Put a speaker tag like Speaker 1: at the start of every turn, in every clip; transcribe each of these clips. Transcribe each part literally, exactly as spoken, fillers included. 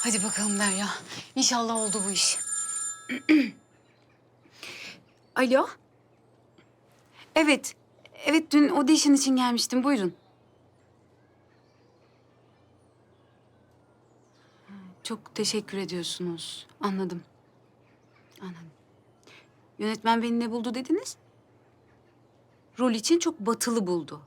Speaker 1: Hadi bakalım Derya. İnşallah oldu bu iş. Alo. Evet. Evet, dün audition için gelmiştim. Buyurun. Çok teşekkür ediyorsunuz. Anladım. Anladım. Yönetmen beni ne buldu dediniz? Rol için çok batılı buldu.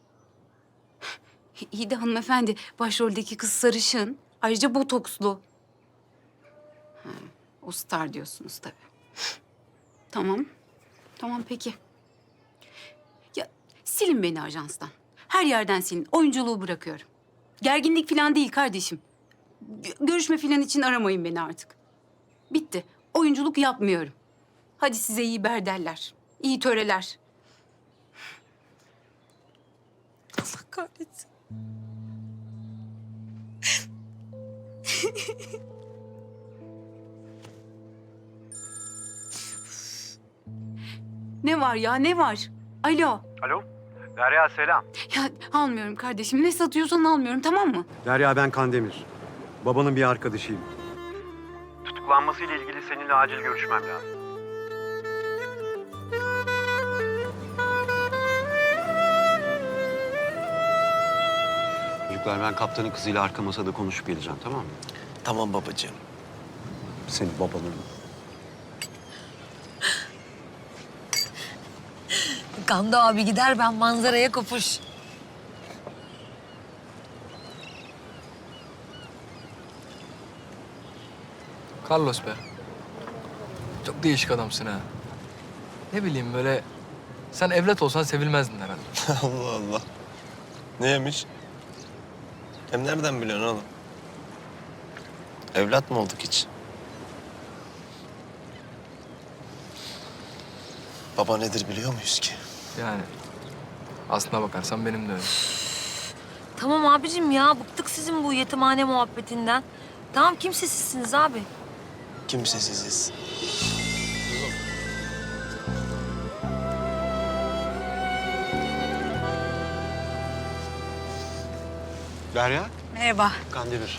Speaker 1: İyi de hanımefendi, başroldeki kız sarışın. Ayrıca botokslu. Ha, o star diyorsunuz tabii. Tamam. Tamam peki. Ya silin beni ajanstan. Her yerden silin. Oyunculuğu bırakıyorum. Gerginlik falan değil kardeşim. Görüşme falan için aramayın beni artık. Bitti. Oyunculuk yapmıyorum. Hadi size iyi berderler. İyi töreler. Allah kahretsin. Ne var ya, ne var? Alo.
Speaker 2: Alo, Derya selam.
Speaker 1: Ya almıyorum kardeşim. Ne satıyorsan almıyorum, tamam mı?
Speaker 2: Derya ben Kandemir. Babanın bir arkadaşıyım. Tutuklanmasıyla ilgili seninle acil görüşmem lazım. Çocuklar ben kaptanın kızıyla arka masada konuşup geleceğim, tamam mı?
Speaker 3: Tamam babacığım.
Speaker 2: Senin babanın.
Speaker 4: Gamze abi gider, ben manzaraya kopuş.
Speaker 5: Carlos be. Çok değişik adamsın ha. Ne bileyim böyle... Sen evlat olsan sevilmezdin herhalde.
Speaker 3: Allah Allah. Neymiş? Hem nereden biliyorsun oğlum? Evlat mı olduk hiç? Baba nedir biliyor muyuz ki?
Speaker 5: Yani aslına bakarsan benim de öyle.
Speaker 4: Tamam abicim ya, bıktık sizin bu yetimhane muhabbetinden. Tamam, kimsesizsiniz abi.
Speaker 3: Kimsesiziz.
Speaker 2: Derya,
Speaker 1: Merhaba.
Speaker 2: Kandemir.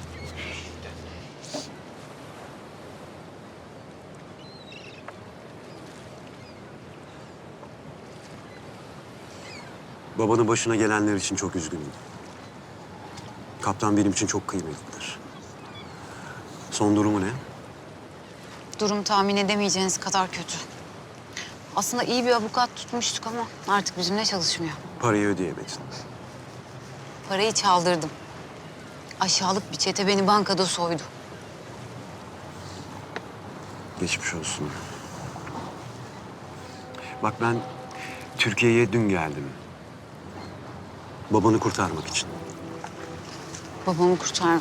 Speaker 2: Babanın başına gelenler için çok üzgünüm. Kaptan benim için çok kıymetlidir. Son durumu ne?
Speaker 1: Durum tahmin edemeyeceğiniz kadar kötü. Aslında iyi bir avukat tutmuştuk ama artık bizimle çalışmıyor.
Speaker 2: Parayı ödeyemedin.
Speaker 1: Parayı çaldırdım. Aşağılık bir çete beni bankada soydu.
Speaker 2: Geçmiş olsun. Bak ben Türkiye'ye dün geldim. Babanı kurtarmak için.
Speaker 1: Babamı kurtar...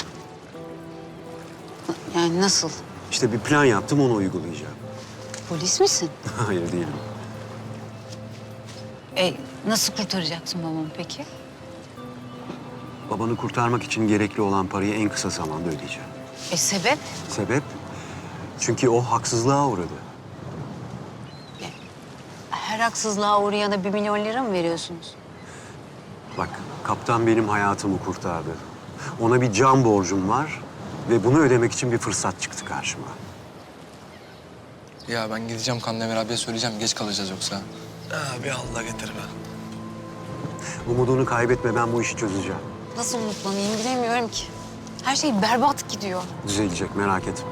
Speaker 1: Yani nasıl?
Speaker 2: İşte bir plan yaptım, onu uygulayacağım.
Speaker 1: Polis misin?
Speaker 2: Hayır değilim.
Speaker 1: E, nasıl kurtaracaksın babamı peki?
Speaker 2: Babanı kurtarmak için gerekli olan parayı en kısa zamanda ödeyeceğim.
Speaker 1: E sebep?
Speaker 2: Sebep? Çünkü o haksızlığa uğradı.
Speaker 1: Her haksızlığa uğrayana bir milyon lira mı veriyorsunuz?
Speaker 2: Bak, kaptan benim hayatımı kurtardı. Ona bir can borcum var ve bunu ödemek için bir fırsat çıktı karşıma.
Speaker 5: Ya ben gideceğim Kandemir abiye söyleyeceğim, geç kalacağız yoksa.
Speaker 3: Abi Allah getirme.
Speaker 2: Umudunu kaybetme, ben bu işi çözeceğim.
Speaker 1: Nasıl umutlanayım bilemiyorum ki. Her şey berbat gidiyor.
Speaker 2: Düzelecek, merak etme.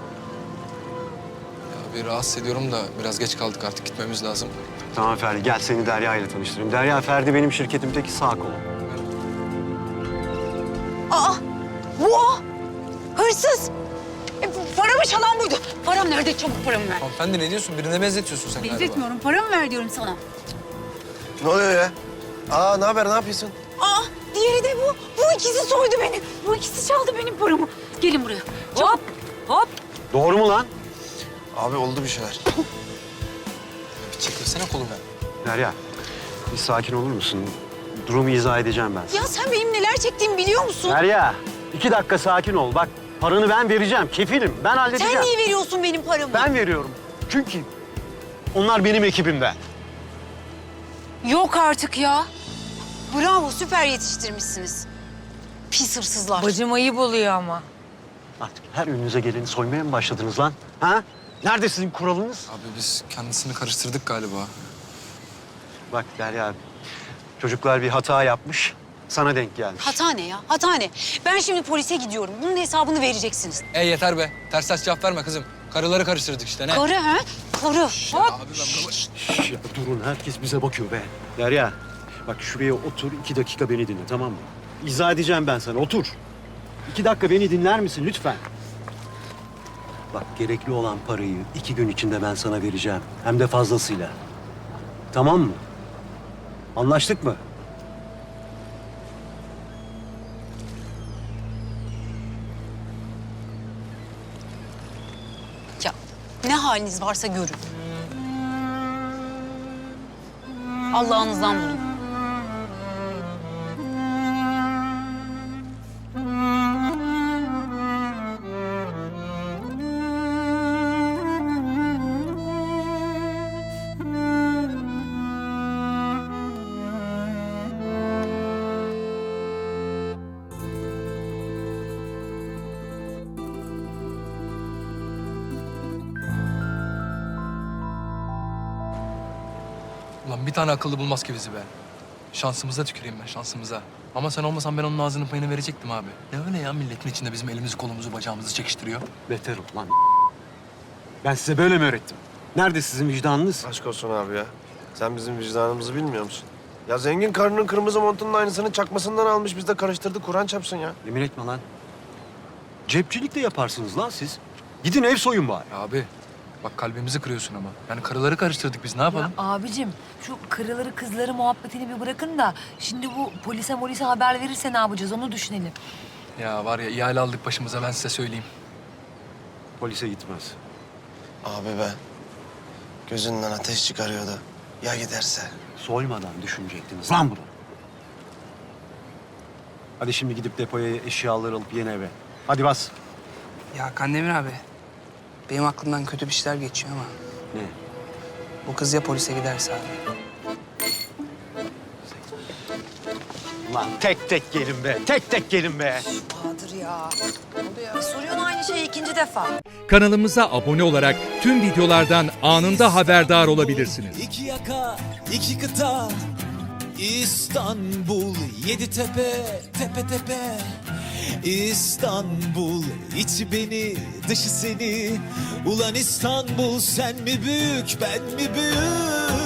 Speaker 5: Ya bir rahatsız ediyorum da biraz geç kaldık, artık gitmemiz lazım.
Speaker 2: Tamam Ferdi, gel seni Derya ile tanıştırayım. Derya, Ferdi benim şirketimdeki sağ kolum.
Speaker 1: Aa! Bu o! Hırsız! E, bu paramı çalan buydu. Param nerede? Çabuk paramı ver.
Speaker 5: Hanımefendi ne diyorsun? Birine benzetiyorsun sen galiba.
Speaker 1: Benzetmiyorum. Paramı ver diyorum sana.
Speaker 3: Ne oluyor ya? Aa ne haber, ne yapıyorsun?
Speaker 1: Aa! Diğeri de bu. Bu ikisi soydu beni. Bu ikisi çaldı benim paramı. Gelin buraya. Hop! Hop!
Speaker 2: Doğru mu lan?
Speaker 3: Abi oldu bir şeyler.
Speaker 5: Bir çekilsene kolumu.
Speaker 2: Derya, bir sakin olur musun? Durumu izah edeceğim ben sana.
Speaker 1: Ya sen benim neler çektiğimi biliyor musun?
Speaker 2: Derya, iki dakika sakin ol. Bak, paranı ben vereceğim, kefilim. Ben halledeceğim.
Speaker 1: Sen niye veriyorsun benim paramı?
Speaker 2: Ben veriyorum. Çünkü onlar benim ekibimden.
Speaker 1: Yok artık ya. Bravo, süper yetiştirmişsiniz. Pis hırsızlar.
Speaker 4: Bacım ayıp oluyor ama.
Speaker 2: Artık her önünüze geleni soymaya mı başladınız lan? Ha? Nerede sizin kuralınız?
Speaker 5: Abi biz kendisini karıştırdık galiba.
Speaker 2: Bak Derya abi, çocuklar bir hata yapmış, sana denk gelmiş.
Speaker 1: Hata ne ya? Hata ne? Ben şimdi polise gidiyorum. Bunun hesabını vereceksiniz.
Speaker 5: E yeter be. Ters ters cevap verme kızım. Karıları karıştırdık işte ne?
Speaker 1: Karı ha? Karı. Hop.
Speaker 5: Abi ben bunu...
Speaker 2: Şş, ya durun, herkes bize bakıyor be. Derya, bak şuraya otur, iki dakika beni dinle, tamam mı? İzah edeceğim ben sana, otur. İki dakika beni dinler misin lütfen? Bak, gerekli olan parayı iki gün içinde ben sana vereceğim. Hem de fazlasıyla. Tamam mı? Anlaştık mı?
Speaker 1: Ya ne haliniz varsa görün. Allah'ınızdan bulun.
Speaker 5: Ulan bir tane akıllı bulmaz ki bizi be. Şansımıza tüküreyim ben, şansımıza. Ama sen olmasan ben onun ağzının payını verecektim abi. Ne öyle ya, milletin içinde bizim elimizi kolumuzu bacağımızı çekiştiriyor.
Speaker 2: Beter ol lan. Ben size böyle mi öğrettim? Nerede sizin vicdanınız?
Speaker 3: Aşk olsun abi ya. Sen bizim vicdanımızı bilmiyor musun? Ya zengin karının kırmızı montunun aynısını çakmasından almış. Biz de karıştırdık. Kur'an çarpsın ya.
Speaker 2: Yemin etme lan. Cepçilik de yaparsınız lan siz. Gidin ev soyun bari.
Speaker 5: Ya abi, bak kalbimizi kırıyorsun ama. Yani karıları karıştırdık biz, ne yapalım?
Speaker 4: Ya abicim şu karıları kızları muhabbetini bir bırakın da şimdi bu polise molise haber verirse ne yapacağız onu düşünelim.
Speaker 5: Ya var ya, ihale aldık başımıza, ben size söyleyeyim.
Speaker 2: Polise gitmez.
Speaker 3: Abi be. Gözünden ateş çıkarıyordu. Ya giderse?
Speaker 2: Soymadan düşünecektiniz lan bunu. Hadi şimdi gidip depoya eşyaları alıp yeni eve. Hadi bas.
Speaker 6: Ya Kandemir abi, benim aklımdan kötü bir şeyler geçiyor ama
Speaker 2: Ne?
Speaker 6: bu kız ya polise giderse abi.
Speaker 2: Lan tek tek gelin be. Tek tek gelin be.
Speaker 4: Bahadır ya. Oluyor. Soruyorsun aynı şeyi ikinci defa.
Speaker 7: Kanalımıza abone olarak tüm videolardan anında haberdar olabilirsiniz.
Speaker 8: İki yaka, iki kıta, İstanbul, yedi tepe, tepe tepe. İstanbul, içi beni, dışı seni. Ulan İstanbul, sen mi büyük, ben mi büyük?